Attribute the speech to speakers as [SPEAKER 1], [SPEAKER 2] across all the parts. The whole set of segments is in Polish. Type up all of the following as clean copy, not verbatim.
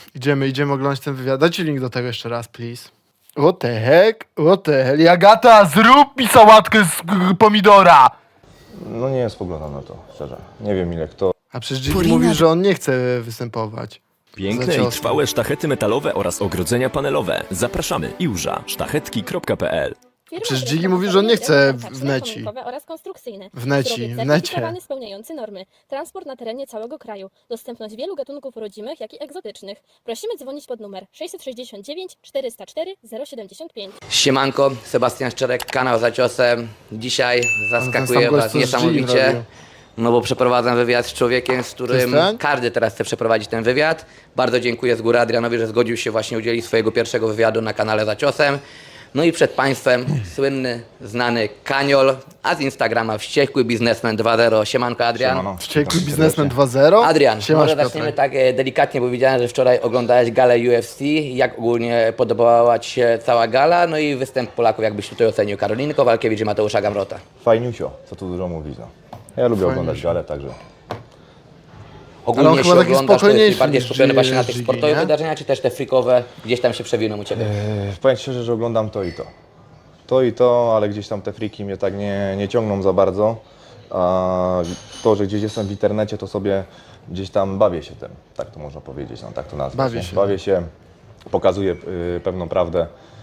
[SPEAKER 1] Idziemy oglądać ten wywiad. Dajcie link do tego jeszcze raz, please. What the heck? What the hell? Agata, zrób mi sałatkę z pomidora!
[SPEAKER 2] No nie spoglądam na to, szczerze. Nie wiem ile kto
[SPEAKER 1] A przecież Jimmy mówi, że on nie chce występować.
[SPEAKER 3] Piękne
[SPEAKER 1] Za
[SPEAKER 3] i
[SPEAKER 1] ciosem.
[SPEAKER 3] trwałe sztachety metalowe oraz ogrodzenia panelowe. Zapraszamy iłża sztachetki.pl.
[SPEAKER 1] Przecież Dzigi mówi, że on nie chce w neci.
[SPEAKER 4] Oraz konstrukcyjne.
[SPEAKER 1] W neci,
[SPEAKER 4] Surowiec
[SPEAKER 1] w necie.
[SPEAKER 4] certyfikowany, spełniający normy. Transport na terenie całego kraju. Dostępność wielu gatunków rodzimych, jak i egzotycznych. Prosimy dzwonić pod numer 669 404 075.
[SPEAKER 5] Siemanko, Sebastian Szczerek, kanał Za Ciosem. Dzisiaj
[SPEAKER 1] sam
[SPEAKER 5] zaskakuję
[SPEAKER 1] gość,
[SPEAKER 5] Was
[SPEAKER 1] co z Jim
[SPEAKER 5] niesamowicie,
[SPEAKER 1] robił.
[SPEAKER 5] no bo przeprowadzam wywiad z człowiekiem, z którym
[SPEAKER 1] ten?
[SPEAKER 5] każdy teraz chce przeprowadzić ten wywiad. Bardzo dziękuję z góry Adrianowi, że zgodził się właśnie udzielić swojego pierwszego wywiadu na kanale Za Ciosem. No i przed Państwem słynny, znany Kaniol, a z Instagrama Wściekły Biznesmen 2.0. Siemanko Adrian.
[SPEAKER 2] Siemano.
[SPEAKER 1] Wściekły biznesmen 2.0?
[SPEAKER 5] Adrian,
[SPEAKER 1] Siemasz,
[SPEAKER 5] może zaczniemy
[SPEAKER 1] Piotrek.
[SPEAKER 5] tak delikatnie, bo widziałem, że wczoraj oglądałeś galę UFC. Jak ogólnie podobała Ci się cała gala? No i występ Polaków, jakbyś tutaj ocenił Karoliny Kowalkiewicz i Mateusza Gamrota.
[SPEAKER 2] Fajniusio, co tu dużo mówić, no. Ja lubię oglądać galę, także
[SPEAKER 1] Ale on
[SPEAKER 5] Ogólnie
[SPEAKER 1] chyba
[SPEAKER 5] się
[SPEAKER 1] taki
[SPEAKER 5] oglądasz, to
[SPEAKER 1] spokojniejszy
[SPEAKER 5] jesteś bardziej
[SPEAKER 1] niż
[SPEAKER 5] skupiony właśnie na tych
[SPEAKER 1] Gigi,
[SPEAKER 5] sportowych
[SPEAKER 1] nie?
[SPEAKER 5] wydarzeniach, czy też te freakowe gdzieś tam się przewiną u Ciebie?
[SPEAKER 2] powiem szczerze, że oglądam to i to. To i to, ale gdzieś tam te friki mnie tak nie ciągną za bardzo. A to, że gdzieś jestem w internecie, to sobie gdzieś tam bawię się tym. Tak to można powiedzieć, no tak to nazwać.
[SPEAKER 1] Bawię
[SPEAKER 2] nie?
[SPEAKER 1] się.
[SPEAKER 2] Bawię się, pokazuję pewną prawdę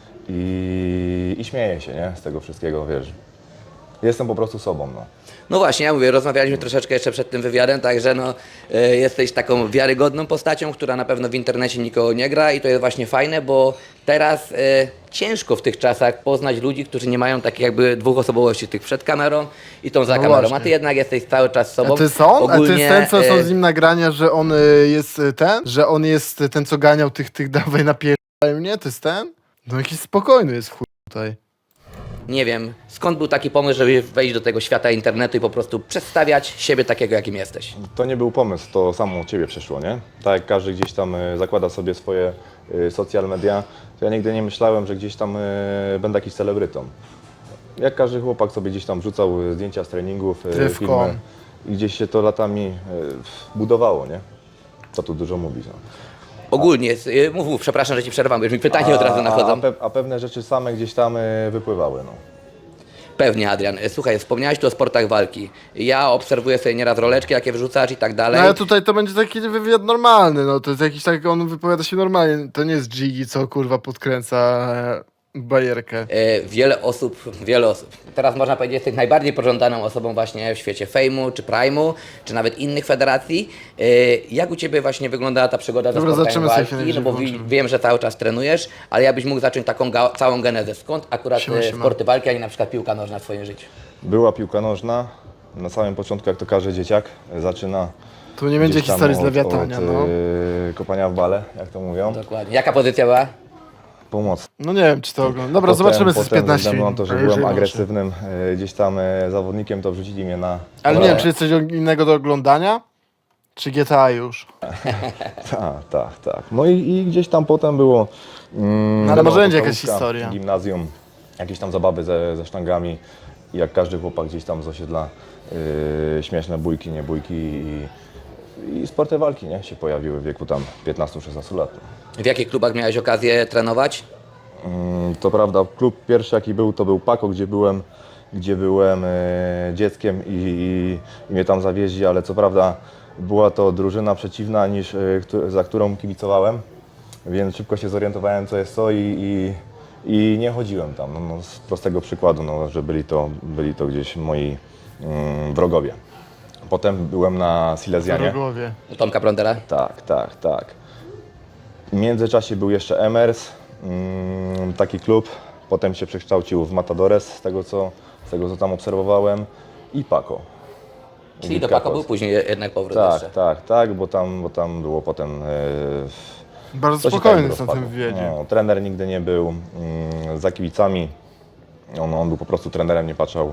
[SPEAKER 2] i śmieję się, nie? Z tego wszystkiego, wiesz. Jestem po prostu sobą, no.
[SPEAKER 5] No właśnie, ja mówię, rozmawialiśmy troszeczkę jeszcze przed tym wywiadem, także no, jesteś taką wiarygodną postacią, która na pewno w internecie nikogo nie gra i to jest właśnie fajne, bo teraz ciężko w tych czasach poznać ludzi, którzy nie mają takich jakby dwóch osobowości, tych przed kamerą i tą za
[SPEAKER 1] No
[SPEAKER 5] kamerą,
[SPEAKER 1] właśnie.
[SPEAKER 5] a Ty jednak jesteś cały czas sobą.
[SPEAKER 1] A to jest on? A to jest ten, co są
[SPEAKER 5] e,
[SPEAKER 1] z nim nagrania, że on jest ten? Że on jest ten, co ganiał tych dawaj napierdaj mnie? To jest ten? No jakiś spokojny jest w chuj tutaj.
[SPEAKER 5] Nie wiem, skąd był taki pomysł, żeby wejść do tego świata internetu i po prostu przedstawiać siebie takiego, jakim jesteś?
[SPEAKER 2] To nie był pomysł, to samo od Ciebie przyszło, nie? Tak jak każdy gdzieś tam zakłada sobie swoje social media, to ja nigdy nie myślałem, że gdzieś tam będę jakiś celebrytą. Jak każdy chłopak sobie gdzieś tam wrzucał zdjęcia z treningów,
[SPEAKER 1] Trywką.
[SPEAKER 2] filmy i gdzieś się to latami budowało, nie? Co tu dużo mówić, no.
[SPEAKER 5] Ogólnie, mów, przepraszam, że Ci przerwam, bo już mi pytania od razu nachodzą.
[SPEAKER 2] A pewne rzeczy same gdzieś tam wypływały, no.
[SPEAKER 5] Pewnie, Adrian. Słuchaj, wspomniałeś tu o sportach walki. Ja obserwuję sobie nieraz roleczki, jakie wrzucasz i tak
[SPEAKER 1] No
[SPEAKER 5] dalej.
[SPEAKER 1] ale tutaj to będzie taki wywiad normalny, no to jest jakiś tak, on wypowiada się normalnie. To nie jest Gigi, co kurwa podkręca bajerkę.
[SPEAKER 5] Wiele osób, teraz można powiedzieć, jesteś najbardziej pożądaną osobą właśnie w świecie Fejmu, czy Prime'u, czy nawet innych federacji. Jak u Ciebie właśnie wyglądała ta przygoda ze
[SPEAKER 1] Dobra,
[SPEAKER 5] sportem
[SPEAKER 1] zaczniemy sobie
[SPEAKER 5] walki?
[SPEAKER 1] chwilę,
[SPEAKER 5] No bo
[SPEAKER 1] włączymy.
[SPEAKER 5] wiem, że cały czas trenujesz, ale ja byś mógł zacząć taką całą genezę. Skąd akurat
[SPEAKER 1] Siema, siema.
[SPEAKER 5] sporty walki, a nie na przykład piłka nożna w Twoim życiu?
[SPEAKER 2] Była piłka nożna, na samym początku, jak to każdy dzieciak, zaczyna
[SPEAKER 1] Tu nie będzie
[SPEAKER 2] gdzieś tam
[SPEAKER 1] historii z lewiatania, no.
[SPEAKER 2] kopania w bale, jak to mówią.
[SPEAKER 5] Dokładnie. Jaka pozycja była?
[SPEAKER 2] Pomoc.
[SPEAKER 1] No nie wiem, czy to oglądam. Dobra, zobaczymy z 15
[SPEAKER 2] ze względu na
[SPEAKER 1] minut.
[SPEAKER 2] to, że
[SPEAKER 1] jeżeli
[SPEAKER 2] byłem
[SPEAKER 1] może.
[SPEAKER 2] agresywnym gdzieś tam zawodnikiem, to wrzucili mnie na...
[SPEAKER 1] Ale nie wiem, czy jest coś innego do oglądania? Czy GTA już?
[SPEAKER 2] Tak. No i gdzieś tam potem było...
[SPEAKER 1] No ale może będzie jakaś
[SPEAKER 2] podstawówka,
[SPEAKER 1] historia.
[SPEAKER 2] Gimnazjum, jakieś tam zabawy ze sztangami. I jak każdy chłopak gdzieś tam z osiedla, śmieszne bójki, nie bójki i sporty walki, nie? Się pojawiły w wieku tam 15-16 lat.
[SPEAKER 5] W jakich klubach miałeś okazję trenować?
[SPEAKER 2] To prawda, klub pierwszy jaki był, to był Pako, gdzie byłem dzieckiem i mnie tam zawieźli, ale co prawda była to drużyna przeciwna niż za którą kibicowałem, więc szybko się zorientowałem co jest co i nie chodziłem tam, no, z prostego przykładu, no, że byli to gdzieś moi wrogowie. Potem byłem na Silesianie.
[SPEAKER 1] Wrogowie.
[SPEAKER 5] U Tomka Prądera?
[SPEAKER 2] Tak. W międzyczasie był jeszcze Emers, taki klub. Potem się przekształcił w Matadores, z tego co tam obserwowałem. I Paco.
[SPEAKER 5] Czyli do Pako był później jednak powrót jeszcze.
[SPEAKER 2] Tak, bo tam było potem...
[SPEAKER 1] Bardzo
[SPEAKER 2] to się
[SPEAKER 1] spokojny
[SPEAKER 2] tak
[SPEAKER 1] jest na
[SPEAKER 2] rozpadło.
[SPEAKER 1] tym wywiadzie.
[SPEAKER 2] No, trener nigdy nie był za kibicami. On był po prostu trenerem, nie patrzał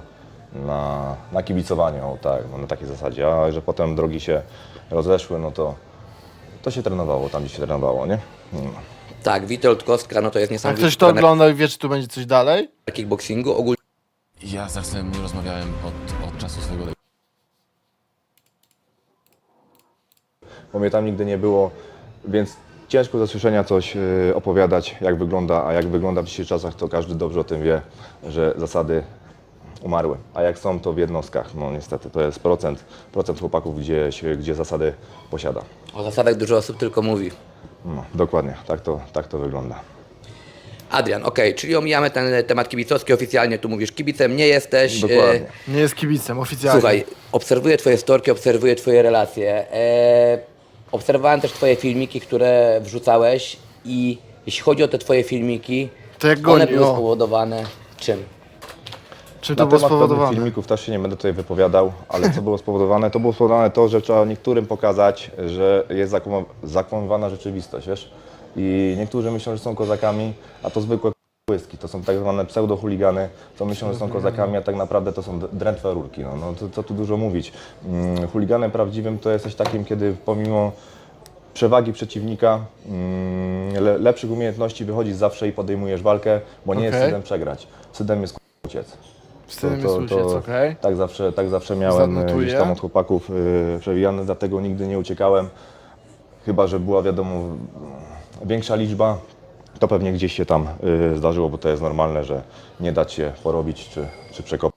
[SPEAKER 2] na kibicowanie, na takiej zasadzie. A że potem drogi się rozeszły, no to się trenowało tam, gdzie się trenowało, nie? No.
[SPEAKER 5] Tak, Witold Kostka, no to jest
[SPEAKER 1] Jak
[SPEAKER 5] niesamowity
[SPEAKER 1] ktoś to
[SPEAKER 5] trener
[SPEAKER 1] oglądał i wie, czy tu będzie coś dalej?
[SPEAKER 5] kickboxingu. Ogólnie
[SPEAKER 6] Ja z Arsenem nie rozmawiałem od czasu swojego
[SPEAKER 2] Bo mnie tam nigdy nie było, więc ciężko ze słyszenia coś opowiadać, jak wygląda, a jak wygląda w dzisiejszych czasach, to każdy dobrze o tym wie, że zasady umarły. A jak są, to w jednostkach. No niestety, to jest procent chłopaków, gdzie zasady posiada.
[SPEAKER 5] O zasadach dużo osób tylko mówi.
[SPEAKER 2] No, dokładnie, tak to wygląda.
[SPEAKER 5] Adrian, okej, czyli omijamy ten temat kibicowski, oficjalnie tu mówisz kibicem, nie jesteś.
[SPEAKER 2] Dokładnie.
[SPEAKER 1] Nie jest kibicem, oficjalnie.
[SPEAKER 5] Słuchaj, obserwuję Twoje storki, obserwuję Twoje relacje. Obserwowałem też Twoje filmiki, które wrzucałeś i jeśli chodzi o te Twoje filmiki,
[SPEAKER 1] To jak
[SPEAKER 5] one
[SPEAKER 1] goni,
[SPEAKER 5] były
[SPEAKER 1] o.
[SPEAKER 5] spowodowane czym?
[SPEAKER 1] Czym
[SPEAKER 2] Na
[SPEAKER 1] to było
[SPEAKER 2] temat pewnych
[SPEAKER 1] spowodowane?
[SPEAKER 2] filmików też się nie będę tutaj wypowiadał, ale co było spowodowane? To było spowodowane to, że trzeba niektórym pokazać, że jest zakłamywana rzeczywistość, wiesz? I niektórzy myślą, że są kozakami, a to zwykłe błyski. To są tak zwane pseudo-chuligany, co myślą, że są kozakami, a tak naprawdę to są drętwe rurki. No to, co tu dużo mówić. Chuliganem prawdziwym to jest coś takim, kiedy pomimo przewagi przeciwnika, lepszych umiejętności wychodzisz zawsze i podejmujesz walkę, bo nie jest
[SPEAKER 1] Okej.
[SPEAKER 2] wstydem przegrać. Wstydem jest uciec.
[SPEAKER 1] Wstydem jest uciec, okej.
[SPEAKER 2] Tak zawsze miałem
[SPEAKER 1] Zanotuję.
[SPEAKER 2] gdzieś tam od chłopaków przewijane, dlatego nigdy nie uciekałem. Chyba że była wiadomo większa liczba, to pewnie gdzieś się tam zdarzyło, bo to jest normalne, że nie dać się porobić czy przekopać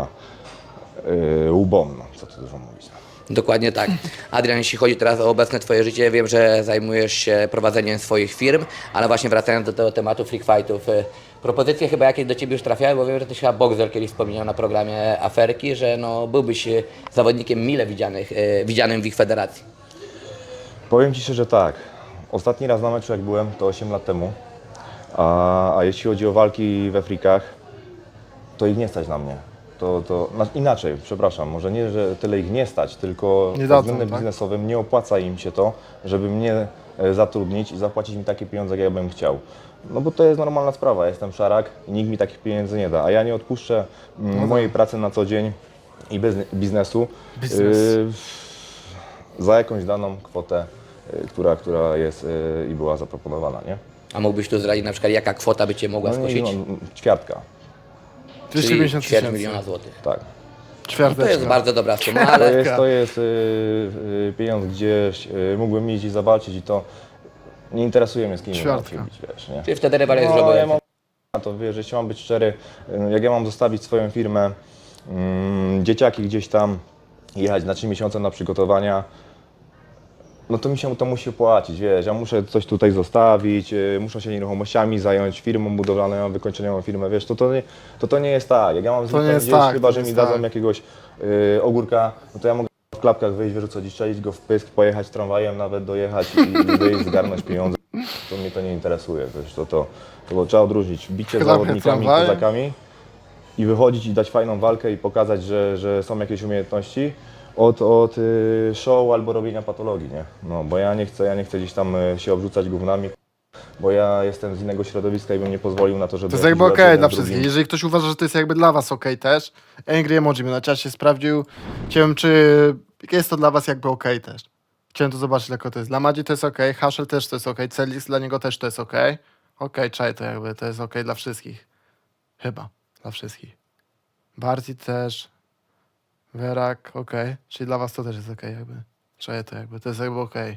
[SPEAKER 2] łbom, no, co tu dużo mówić.
[SPEAKER 5] Dokładnie tak. Adrian, jeśli chodzi teraz o obecne Twoje życie, wiem, że zajmujesz się prowadzeniem swoich firm, ale właśnie wracając do tego tematu freak fightów, propozycje chyba jakieś do Ciebie już trafiały, bo wiem, że Ty chyba Boxer kiedyś wspominał na programie Aferki, że no, byłbyś zawodnikiem mile widzianym w ich federacji.
[SPEAKER 2] Powiem Ci szczerze tak, ostatni raz na meczu jak byłem to 8 lat temu, a jeśli chodzi o walki we frikach, to ich nie stać na mnie. Inaczej, przepraszam, może nie, że tyle ich nie stać, tylko
[SPEAKER 1] Nie
[SPEAKER 2] pod
[SPEAKER 1] dadzą,
[SPEAKER 2] względem
[SPEAKER 1] tak?
[SPEAKER 2] biznesowym nie opłaca im się to, żeby mnie zatrudnić i zapłacić mi takie pieniądze, jak ja bym chciał. No bo to jest normalna sprawa, jestem szarak i nikt mi takich pieniędzy nie da, a ja nie odpuszczę mojej pracy na co dzień i biznesu
[SPEAKER 1] Biznes.
[SPEAKER 2] za jakąś daną kwotę, która jest i była zaproponowana, nie?
[SPEAKER 5] A mógłbyś tu zdradzić na przykład, jaka kwota by Cię mogła
[SPEAKER 2] No,
[SPEAKER 5] skosić?
[SPEAKER 2] ćwiartka,
[SPEAKER 1] 250
[SPEAKER 5] ćwierć
[SPEAKER 1] 000.
[SPEAKER 5] miliona złotych.
[SPEAKER 2] tak.
[SPEAKER 5] To
[SPEAKER 1] Ćwiarteczka.
[SPEAKER 5] jest bardzo dobra suma, ale
[SPEAKER 2] To jest pieniądz, gdzie mógłbym iść i zobaczyć i to nie interesuje mnie, z kim mam
[SPEAKER 1] Ćwiartka.
[SPEAKER 2] się bić, wiesz, nie?
[SPEAKER 5] Czyli wtedy rywal jest
[SPEAKER 2] No,
[SPEAKER 5] żołnierz.
[SPEAKER 2] ja mam na to, wiesz, jeśli mam być szczery, jak ja mam zostawić swoją firmę, dzieciaki gdzieś tam, jechać na 3 miesiące na przygotowania, no to mi się to musi opłacić, wiesz, ja muszę coś tutaj zostawić, muszę się nieruchomościami zająć, firmą budowlaną, ja mam wykończoną firmę, wiesz, to nie jest tak, jak ja mam
[SPEAKER 1] To nie jest
[SPEAKER 2] gdzieś,
[SPEAKER 1] tak,
[SPEAKER 2] chyba
[SPEAKER 1] to
[SPEAKER 2] że
[SPEAKER 1] nie
[SPEAKER 2] mi
[SPEAKER 1] jest
[SPEAKER 2] dadzą
[SPEAKER 1] tak.
[SPEAKER 2] jakiegoś ogórka, no to ja mogę w klapkach wyjść, wyrzucać i strzelić go w pysk, pojechać tramwajem, nawet dojechać i wyjść, zgarnąć pieniądze, to mnie to nie interesuje, wiesz, to trzeba odróżnić bicie z
[SPEAKER 1] Klapkę
[SPEAKER 2] zawodnikami,
[SPEAKER 1] tramwajem?
[SPEAKER 2] kozakami i wychodzić i dać fajną walkę i pokazać, że są jakieś umiejętności, od show albo robienia patologii, nie? No, bo ja nie chcę gdzieś tam się obrzucać gównami, bo ja jestem z innego środowiska i bym nie pozwolił na to, żeby...
[SPEAKER 1] To jest
[SPEAKER 2] jakiś
[SPEAKER 1] jakby
[SPEAKER 2] brat
[SPEAKER 1] okej
[SPEAKER 2] jeden
[SPEAKER 1] dla
[SPEAKER 2] z drugim-
[SPEAKER 1] wszystkich. Jeżeli ktoś uważa, że to jest jakby dla was okej też, Angry Emoji mi na czacie sprawdził. Chciałem, czy jest to dla was jakby okej też. Chciałem to zobaczyć, jak to jest. Dla Madzi to jest okej, Hashel też to jest okej, Celix dla niego też to jest okej. Okej, czaj to jakby, to jest okej dla wszystkich. Chyba, dla wszystkich. Barty też. Werak, okej. Czyli dla was to też jest okej jakby. Czaję to jakby, to jest jakby okej.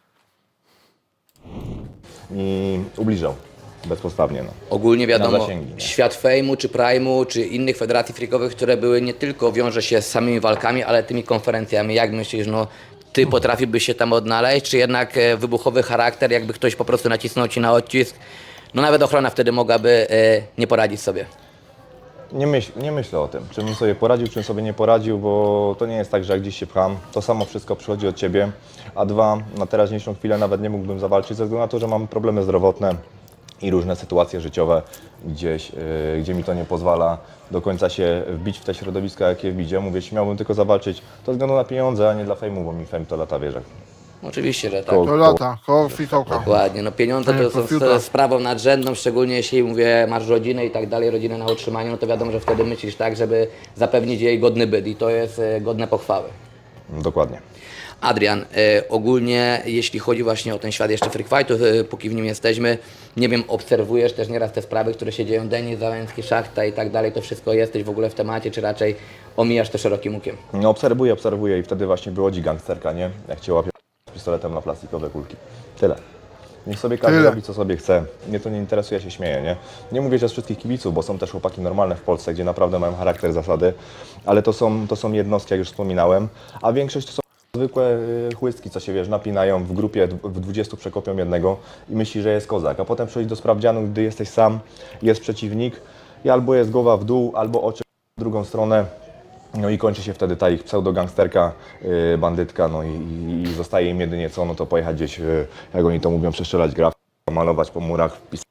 [SPEAKER 2] I ubliżał bezpodstawnie, no.
[SPEAKER 5] Ogólnie wiadomo,
[SPEAKER 2] zasięgi, nie?
[SPEAKER 5] świat fejmu, czy prime'u, czy innych federacji freakowych, które były nie tylko wiąże się z samymi walkami, ale tymi konferencjami. Jak myślisz, no Ty potrafiłbyś się tam odnaleźć, czy jednak wybuchowy charakter, jakby ktoś po prostu nacisnął Ci na odcisk, no nawet ochrona wtedy mogłaby nie poradzić sobie.
[SPEAKER 2] Nie myślę o tym, czym sobie poradził, czym sobie nie poradził, bo to nie jest tak, że jak gdzieś się pcham, to samo wszystko przychodzi od Ciebie, a dwa, na teraźniejszą chwilę nawet nie mógłbym zawalczyć ze względu na to, że mam problemy zdrowotne i różne sytuacje życiowe gdzieś, gdzie mi to nie pozwala do końca się wbić w te środowiska, jakie widzę. Mówię, jeśli miałbym tylko zawalczyć, to ze względu na pieniądze, a nie dla fejmu, bo mi fame to lata wierzę.
[SPEAKER 5] Oczywiście, że tak.
[SPEAKER 2] Koło-
[SPEAKER 1] To lata, koło fikołka.
[SPEAKER 5] Dokładnie, no pieniądze
[SPEAKER 1] Nie,
[SPEAKER 5] to są
[SPEAKER 1] profiuta.
[SPEAKER 5] sprawą nadrzędną, szczególnie jeśli mówię, masz rodzinę i tak dalej, rodzinę na utrzymaniu, no to wiadomo, że wtedy myślisz tak, żeby zapewnić jej godny byt i to jest godne pochwały.
[SPEAKER 2] Dokładnie.
[SPEAKER 5] Adrian, ogólnie jeśli chodzi właśnie o ten świat jeszcze freak fightów, póki w nim jesteśmy, nie wiem, obserwujesz też nieraz te sprawy, które się dzieją, Denis Załęcki, Szachta i tak dalej, to wszystko jesteś w ogóle w temacie, czy raczej omijasz to szerokim łukiem?
[SPEAKER 2] No, obserwuję i wtedy właśnie wychodzi gangsterka, nie? Jak Cię łapie pistoletem na plastikowe kulki. Tyle. Niech sobie każdy
[SPEAKER 1] Tyle.
[SPEAKER 2] robi, co sobie chce. Mnie to nie interesuje, ja się śmieję, nie? Nie mówię, że z wszystkich kibiców, bo są też chłopaki normalne w Polsce, gdzie naprawdę mają charakter, zasady, ale to są jednostki, jak już wspominałem, a większość to są zwykłe chłystki, co się, wiesz, napinają w grupie, w 20 przekopią jednego i myśli, że jest kozak, a potem przychodzi do sprawdzianu, gdy jesteś sam, jest przeciwnik i albo jest głowa w dół, albo oczy w drugą stronę. No i kończy się wtedy ta ich pseudogangsterka, bandytka, no i zostaje im jedynie co, no to pojechać gdzieś, jak oni to mówią, przeszczelać graf, malować po murach, wpisać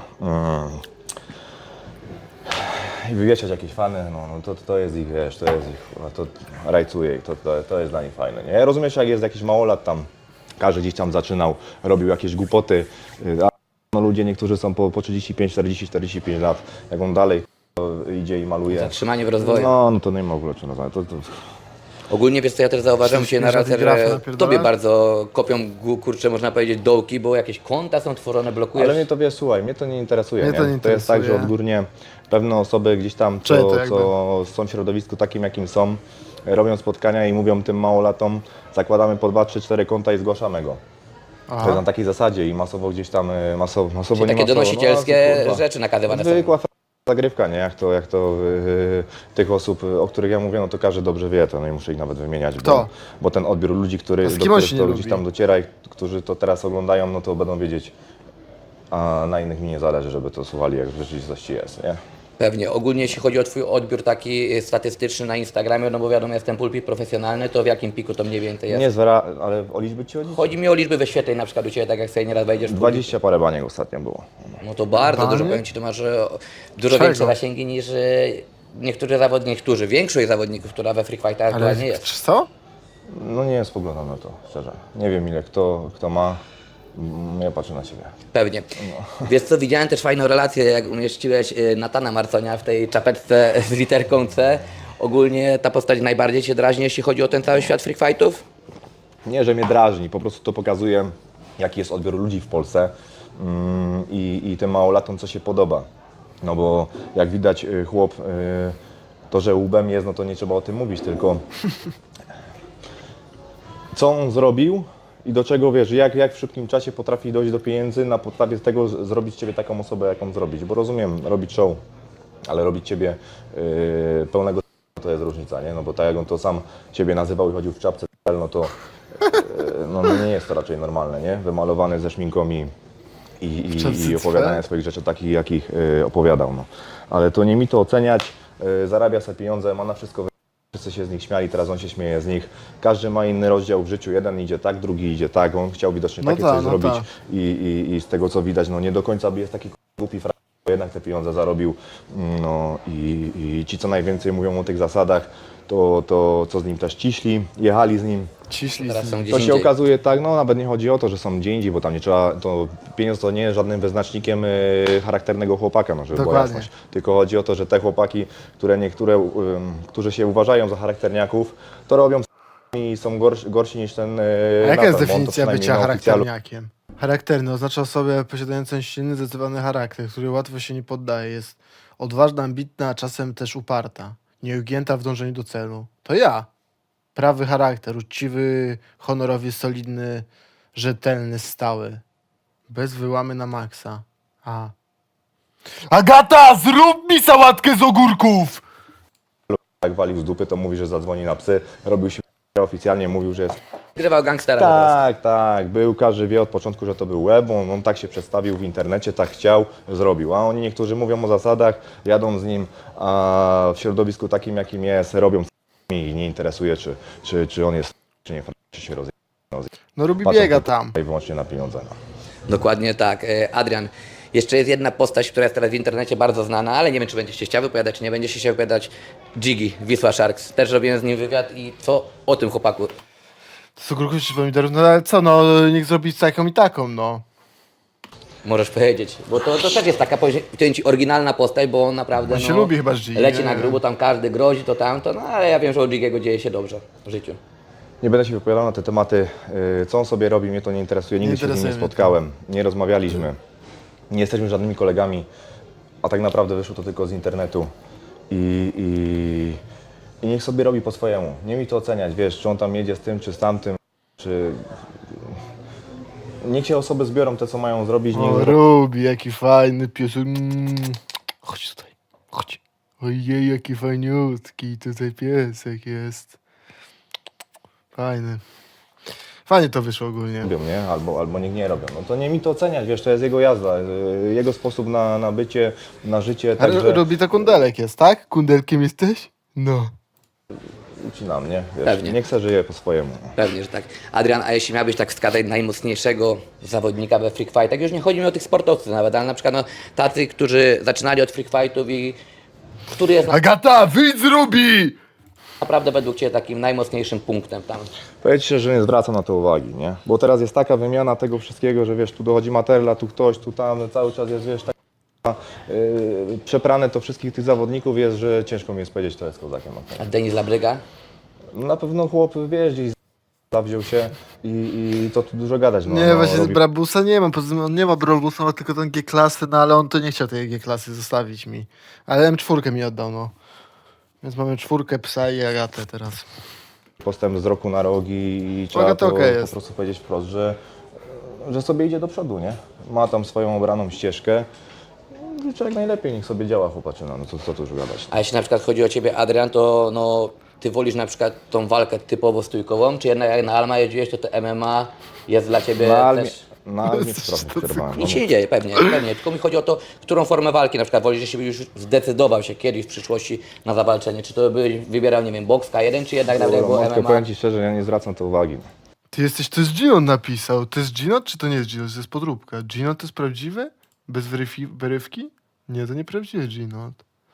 [SPEAKER 2] i wywieszać jakieś fany, no to jest ich, wiesz, to jest ich, to rajcuje ich, to jest dla nich fajne, nie? Rozumiesz, jak jest jakiś małolat tam, każdy gdzieś tam zaczynał, robił jakieś głupoty, a no ludzie niektórzy są po 35, 40, 45 lat, jak on dalej idzie i maluje.
[SPEAKER 5] Zatrzymanie w rozwoju.
[SPEAKER 2] No to nie ma w ogóle czym nazwać.
[SPEAKER 5] Ogólnie, wiesz co, ja też zauważyłem się na raz,
[SPEAKER 1] Żadnych grafy
[SPEAKER 5] że
[SPEAKER 1] napierdalasz?
[SPEAKER 5] tobie bardzo kopią, kurczę, można powiedzieć, dołki, bo jakieś konta są tworzone, blokujesz.
[SPEAKER 2] Ale mnie to, wiesz, słuchaj, mnie to nie interesuje,
[SPEAKER 1] Mnie
[SPEAKER 2] nie?
[SPEAKER 1] to nie
[SPEAKER 2] To jest tak, że
[SPEAKER 1] interesuje.
[SPEAKER 2] odgórnie pewne osoby gdzieś tam,
[SPEAKER 1] Czyli to jakby-
[SPEAKER 2] co są w środowisku takim, jakim są, robią spotkania i mówią tym małolatom, zakładamy po 2, 3, 4 konta i zgłaszamy go. To jest na takiej zasadzie i masowo gdzieś tam, masowo
[SPEAKER 5] Czyli
[SPEAKER 2] nie
[SPEAKER 5] takie
[SPEAKER 2] masowo,
[SPEAKER 5] donosicielskie
[SPEAKER 2] no, kurwa.
[SPEAKER 5] rzeczy nakazywane są.
[SPEAKER 2] Zwykła zagrywka, nie? Jak to tych osób, o których ja mówię, no to każdy dobrze wie to, no i muszę ich nawet wymieniać,
[SPEAKER 1] Kto?
[SPEAKER 2] bo ten odbiór ludzi,
[SPEAKER 1] To z
[SPEAKER 2] do
[SPEAKER 1] kim on
[SPEAKER 2] których
[SPEAKER 1] się
[SPEAKER 2] to
[SPEAKER 1] nie
[SPEAKER 2] gdzieś
[SPEAKER 1] lubi?
[SPEAKER 2] tam dociera i którzy to teraz oglądają, no to będą wiedzieć, a na innych mi nie zależy, żeby to słuchali, jak w rzeczywistości jest, nie?
[SPEAKER 5] Pewnie. Ogólnie jeśli chodzi o twój odbiór taki statystyczny na Instagramie, no bo wiadomo, jestem pulpit profesjonalny, to w jakim piku to mniej więcej jest?
[SPEAKER 2] Nie ale o liczby ci chodzi?
[SPEAKER 5] Chodzi mi o liczby wyświetleń, na przykład u Ciebie, tak jak sobie nieraz wejdziesz w
[SPEAKER 2] 20 parę baniek ostatnio było.
[SPEAKER 5] No to bardzo
[SPEAKER 1] Banie?
[SPEAKER 5] dużo, powiem Ci, to masz dużo
[SPEAKER 1] Czego?
[SPEAKER 5] większe zasięgi niż większość zawodników, która we Free Fightach
[SPEAKER 1] Ale
[SPEAKER 5] aktualnie jest.
[SPEAKER 1] co?
[SPEAKER 2] No nie spoglądam na to, szczerze. Nie wiem ile kto ma. Ja patrzę na siebie.
[SPEAKER 5] Pewnie. Wiesz co, widziałem też fajną relację, jak umieściłeś Natana Marconia w tej czapeczce z literką C. Ogólnie ta postać najbardziej Cię drażni, jeśli chodzi o ten cały świat Free Fightów?
[SPEAKER 2] Nie, że mnie drażni, po prostu to pokazuje, jaki jest odbiór ludzi w Polsce i tym małolatom, co się podoba. No bo jak widać chłop, to, że łbem jest, no to nie trzeba o tym mówić, tylko co on zrobił i do czego, wiesz, jak w szybkim czasie potrafi dojść do pieniędzy, na podstawie tego zrobić z Ciebie taką osobę, jaką zrobić. Bo rozumiem, robić show, ale robić Ciebie pełnego to jest różnica, nie? No bo tak jak on to sam Ciebie nazywał i chodził w czapce, no to no nie jest to raczej normalne, nie? Wymalowany ze szminką i opowiadania swoich rzeczy takich, jakich opowiadał, no. Ale to nie mi to oceniać, zarabia sobie pieniądze, ma na wszystko, wszyscy się z nich śmiali, teraz on się śmieje z nich. Każdy ma inny rozdział w życiu, jeden idzie tak, drugi idzie tak, on chciał widocznie
[SPEAKER 1] No
[SPEAKER 2] takie
[SPEAKER 1] tak,
[SPEAKER 2] coś
[SPEAKER 1] no
[SPEAKER 2] zrobić
[SPEAKER 1] tak.
[SPEAKER 2] i z tego co widać, no nie do końca jest taki głupi frajer, bo jednak te pieniądze zarobił, no i ci co najwięcej mówią o tych zasadach, to co z nim też ciśli, jechali z nim.
[SPEAKER 1] Ciśli
[SPEAKER 5] Teraz
[SPEAKER 1] z
[SPEAKER 5] są
[SPEAKER 1] nim.
[SPEAKER 5] gdzieś
[SPEAKER 2] To się
[SPEAKER 5] indziej.
[SPEAKER 2] okazuje tak, no nawet nie chodzi o to, że są gdzie indziej, bo tam nie trzeba, to pieniądz to nie jest żadnym wyznacznikiem charakternego chłopaka, no żeby była
[SPEAKER 1] Dokładnie.
[SPEAKER 2] jasność. Tylko chodzi o to, że te chłopaki, którzy się uważają za charakterniaków, to robią i są gorsi niż ten
[SPEAKER 1] A jaka jest
[SPEAKER 2] Nathan, bo on to
[SPEAKER 1] definicja
[SPEAKER 2] przynajmniej
[SPEAKER 1] bycia
[SPEAKER 2] na oficjalu
[SPEAKER 1] charakterniakiem? Charakterny oznacza osobę posiadającą silny, zdecydowany charakter, który łatwo się nie poddaje. Jest odważna, ambitna, a czasem też uparta. Nieugięta w dążeniu do celu. To ja. Prawy charakter, uczciwy, honorowy, solidny, rzetelny, stały. Bez wyłamy na maksa. A. Agata, zrób mi sałatkę z ogórków!
[SPEAKER 2] jak walił z dupy, to mówi, że zadzwoni na psy, robił się oficjalnie, mówił, że jest...
[SPEAKER 5] Grywał gangstera po prostu.
[SPEAKER 2] Tak, był, każdy wie od początku, że to był web, on tak się przedstawił w internecie, tak chciał, zrobił. A oni niektórzy mówią o zasadach, jadą z nim, a w środowisku takim, jakim jest, robią i nie interesuje, czy on jest, czy nie, czy się rozje.
[SPEAKER 1] No Rubi
[SPEAKER 2] Patrzą
[SPEAKER 1] biega
[SPEAKER 2] tylko
[SPEAKER 1] tam.
[SPEAKER 2] I wyłącznie na pieniądze. No.
[SPEAKER 5] Dokładnie tak. Adrian, jeszcze jest jedna postać, która jest teraz w internecie bardzo znana, ale nie wiem, czy będziesz się chciał wypowiadać, czy nie będziesz się chciał wypowiadać. Jiggy, Wisła Sharks. Też robiłem z nim wywiad i co o tym chłopaku?
[SPEAKER 1] Z ogórków czy pomidorów? No ale co, no niech zrobi taką i taką, no.
[SPEAKER 5] Możesz powiedzieć, bo to też jest taka, powiem ci, oryginalna postać, bo on naprawdę
[SPEAKER 1] On się lubi chyba z Jiggy,
[SPEAKER 5] leci
[SPEAKER 1] nie?
[SPEAKER 5] na grubo, tam każdy grozi, to tamto, no ale ja wiem, że u Jiggy'ego dzieje się dobrze w życiu.
[SPEAKER 2] Nie będę się wypowiadał na te tematy, co on sobie robi, mnie to nie interesuje, nigdy się z nim nie
[SPEAKER 1] interesuje mnie to.
[SPEAKER 2] spotkałem, nie rozmawialiśmy, nie jesteśmy żadnymi kolegami, a tak naprawdę wyszło to tylko z internetu i niech sobie robi po swojemu, nie mi to oceniać, wiesz, czy on tam jedzie z tym, czy z tamtym, czy... niech się osoby zbiorą te, co mają zrobić.
[SPEAKER 1] O,
[SPEAKER 2] Niech
[SPEAKER 1] Rubi, jaki fajny pies. Chodź tutaj, chodź. Ojej, jaki fajniutki tutaj piesek jest. Fajny. Fajnie to wyszło ogólnie.
[SPEAKER 2] robią, nie? Albo niech nie robią. No to nie mi to oceniać, wiesz, to jest jego jazda, jego sposób na bycie, na życie,
[SPEAKER 1] A
[SPEAKER 2] także
[SPEAKER 1] Rubi to kundelek jest, tak? Kundelkiem jesteś? No.
[SPEAKER 2] ucinam, nie? Wiesz,
[SPEAKER 5] Pewnie.
[SPEAKER 2] niech se żyje po swojemu.
[SPEAKER 5] Pewnie, że tak. Adrian, a jeśli miałbyś tak wskazać najmocniejszego zawodnika we freak fightach, już nie chodzi mi o tych sportowców nawet, ale na przykład no, tacy, którzy zaczynali od freak fightów i który jest
[SPEAKER 1] Agata, wyjdź z Rubi!
[SPEAKER 5] naprawdę według Ciebie takim najmocniejszym punktem tam.
[SPEAKER 2] Powiedz się, że nie zwracam na to uwagi, nie? Bo teraz jest taka wymiana tego wszystkiego, że wiesz, tu dochodzi Materla, tu ktoś, tu tam, cały czas jest, wiesz, tak przeprane to wszystkich tych zawodników jest, że ciężko mi jest powiedzieć, kto jest kozakiem.
[SPEAKER 5] A Denis Labryga?
[SPEAKER 2] Na pewno chłop, wiesz, gdzieś zawziął się i to tu dużo gadać. No,
[SPEAKER 1] Nie,
[SPEAKER 2] no,
[SPEAKER 1] właśnie
[SPEAKER 2] robi-
[SPEAKER 1] Brabusa nie ma, poza tym on nie ma Brabusa, ma tylko tą G-klasy, no ale on to nie chciał tej G-klasy zostawić mi. Ale M4 mi oddał, no. Więc mamy 4 psa i Agatę teraz.
[SPEAKER 2] postęp z roku na rok i trzeba
[SPEAKER 1] Agata
[SPEAKER 2] to
[SPEAKER 1] okej
[SPEAKER 2] po
[SPEAKER 1] jest.
[SPEAKER 2] prostu powiedzieć wprost, że sobie idzie do przodu, nie? Ma tam swoją obraną ścieżkę. Życzę jak najlepiej, niech sobie działa chłopaczyna, no co tu już gadać.
[SPEAKER 5] A jeśli na przykład chodzi o Ciebie, Adrian, to no, Ty wolisz na przykład tą walkę typowo stójkową, czy jednak jak na Alma jeździłeś, to MMA jest dla Ciebie też...
[SPEAKER 2] Na Almie trochę przerwałem.
[SPEAKER 5] Nic się nie dzieje, pewnie, tylko mi chodzi o to, którą formę walki na przykład wolisz, jeśli byś już zdecydował się kiedyś w przyszłości na zawalczenie, czy to byś wybierał, nie wiem, boks K1, czy jednak nawet było
[SPEAKER 2] Matko,
[SPEAKER 5] MMA?
[SPEAKER 2] powiem Ci szczerze, ja nie zwracam to uwagi.
[SPEAKER 1] Ty jesteś, to jest Gino napisał. To jest Gino, czy to nie jest Gino? To jest podróbka. Gino to jest prawdziwy? Bez wyrywki? Nie, to nie prawdziwy Gino.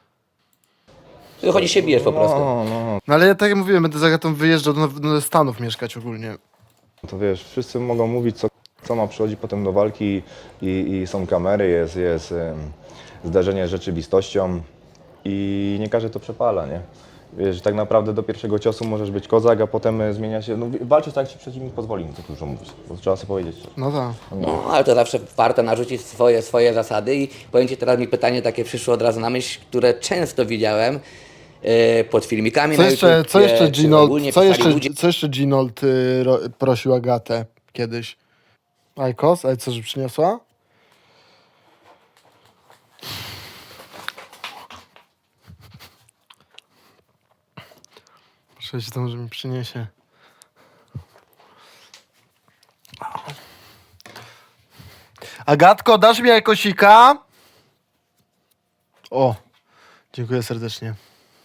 [SPEAKER 5] Ty chodzi się bijesz po prostu.
[SPEAKER 1] No ale ja tak jak mówiłem, będę z Agatą wyjeżdżał do Stanów mieszkać ogólnie.
[SPEAKER 2] To wiesz, wszyscy mogą mówić, co ma przychodzić potem do walki i są kamery, jest zdarzenie z rzeczywistością i nie każdy to przepala, nie? Wiesz, tak naprawdę do pierwszego ciosu możesz być kozak, a potem zmienia się, no walczysz tak, jak ci przeciwnik pozwoli, no to dużo mówić, bo trzeba sobie powiedzieć.
[SPEAKER 1] No tak.
[SPEAKER 5] No, ale to zawsze warto narzucić swoje zasady i powiem Ci, teraz mi pytanie takie przyszło od razu na myśl, które często widziałem pod filmikami na YouTube,
[SPEAKER 1] Co jeszcze
[SPEAKER 5] czy
[SPEAKER 1] Ginold,
[SPEAKER 5] ogólnie pisali ludzie,
[SPEAKER 1] co jeszcze Ginold prosił Agatę kiedyś? Ajkos? Ale co, że przyniosła? Muszę się tam, że mi przyniesie. Agatko, dasz mi jajkosika? O, dziękuję serdecznie.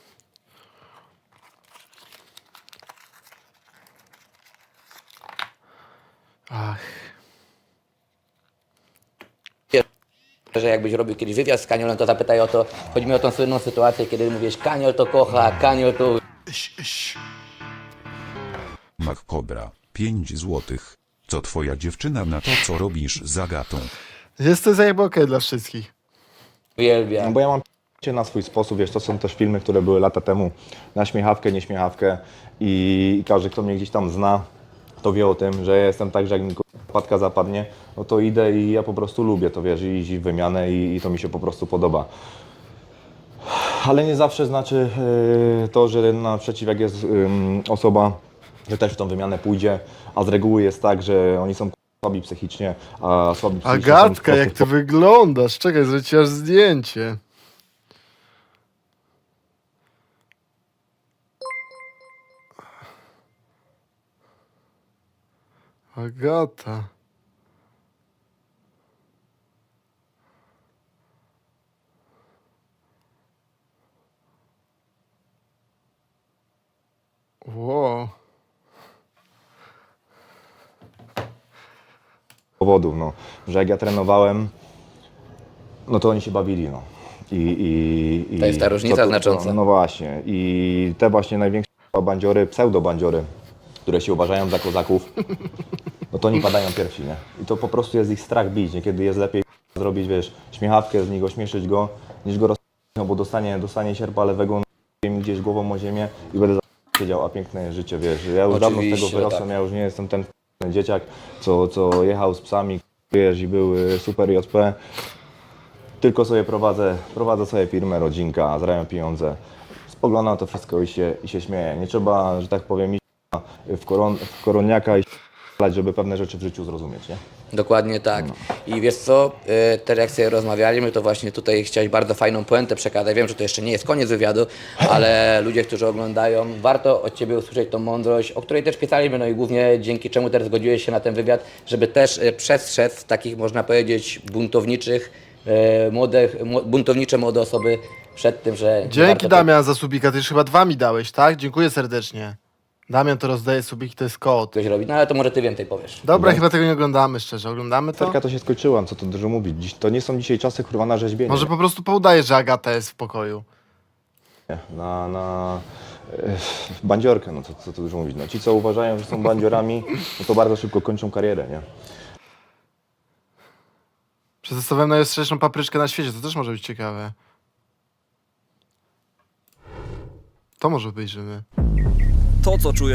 [SPEAKER 1] Ach.
[SPEAKER 5] że jakbyś robił kiedyś wywiad z Kaniolem, to zapytaj o to, chodzi mi o tą słynną sytuację, kiedy mówisz, Kaniol to kocha, Kaniol to...
[SPEAKER 7] Mac Cobra, 5 złotych. Co twoja dziewczyna na to, co robisz z Agatą?
[SPEAKER 1] Jest to jakby okej dla wszystkich.
[SPEAKER 5] uwielbia.
[SPEAKER 2] No bo ja mam się na swój sposób, wiesz, to są też filmy, które były lata temu na śmiechawkę, nieśmiechawkę i każdy, kto mnie gdzieś tam zna, to wie o tym, że ja jestem tak, że jak mi wpadka zapadnie, no to idę i ja po prostu lubię to, wiesz, iść w wymianę i to mi się po prostu podoba. Ale nie zawsze znaczy to, że naprzeciw jak jest osoba, że też w tą wymianę pójdzie, a z reguły jest tak, że oni są słabi psychicznie, a słabi psychicznie są
[SPEAKER 1] Agatka,
[SPEAKER 2] po
[SPEAKER 1] jak ty
[SPEAKER 2] prostu
[SPEAKER 1] wyglądasz? Czekaj, zrobię ci aż zdjęcie. Agata. Wow.
[SPEAKER 2] powodów, no, że jak ja trenowałem, no to oni się bawili, no.
[SPEAKER 5] To jest ta różnica znacząca.
[SPEAKER 2] No właśnie. I te właśnie największe bandziory, pseudo-bandziory, które się uważają za kozaków, no to oni padają pierwsi, nie? I to po prostu jest ich strach bić. Niekiedy jest lepiej zrobić, wiesz, śmiechawkę z niego, ośmieszyć go, niż go no bo dostanie sierpa lewego mi gdzieś głową o ziemię i będę siedział, a piękne życie, wiesz. Ja już dawno z tego
[SPEAKER 5] Oczywiście,
[SPEAKER 2] wyrosłem,
[SPEAKER 5] tak.
[SPEAKER 2] ja już nie jestem ten dzieciak, co jechał z psami, wiesz, i był super JP. Tylko sobie prowadzę sobie firmę, rodzinka, zarabiam pieniądze. Spoglądam na to wszystko i się śmieję. Nie trzeba, że tak powiem, iść w koroniaka i żeby pewne rzeczy w życiu zrozumieć, nie?
[SPEAKER 5] Dokładnie tak. I wiesz co, teraz jak sobie rozmawialiśmy, to właśnie tutaj chciałeś bardzo fajną puentę przekazać. Wiem, że to jeszcze nie jest koniec wywiadu, ale ludzie, którzy oglądają, warto od Ciebie usłyszeć tą mądrość, o której też pisaliśmy, no i głównie dzięki czemu też zgodziłeś się na ten wywiad, żeby też przestrzec takich, można powiedzieć, buntownicze młode osoby przed tym, że...
[SPEAKER 1] Dzięki
[SPEAKER 5] warto
[SPEAKER 1] Damian za subika, ty już chyba 2 mi dałeś, tak? Dziękuję serdecznie. Damian to rozdaje subiki, to jest kod.
[SPEAKER 5] coś robić, no ale to może Ty więcej powiesz.
[SPEAKER 1] Dobra, chyba tego nie oglądamy szczerze, oglądamy to?
[SPEAKER 2] Serka to się skończyła, co tu dużo mówić. To nie są dzisiaj czasy kurwa na rzeźbienie.
[SPEAKER 1] Może po prostu poudajesz, że Agata jest w pokoju.
[SPEAKER 2] Nie, na bandziorkę, no co tu dużo mówić. No, ci, co uważają, że są bandziorami, no to bardzo szybko kończą karierę, nie?
[SPEAKER 1] Przetestowałem najostrzejszą papryczkę na świecie, to też może być ciekawe. To może obejrzymy.
[SPEAKER 8] To, co czuję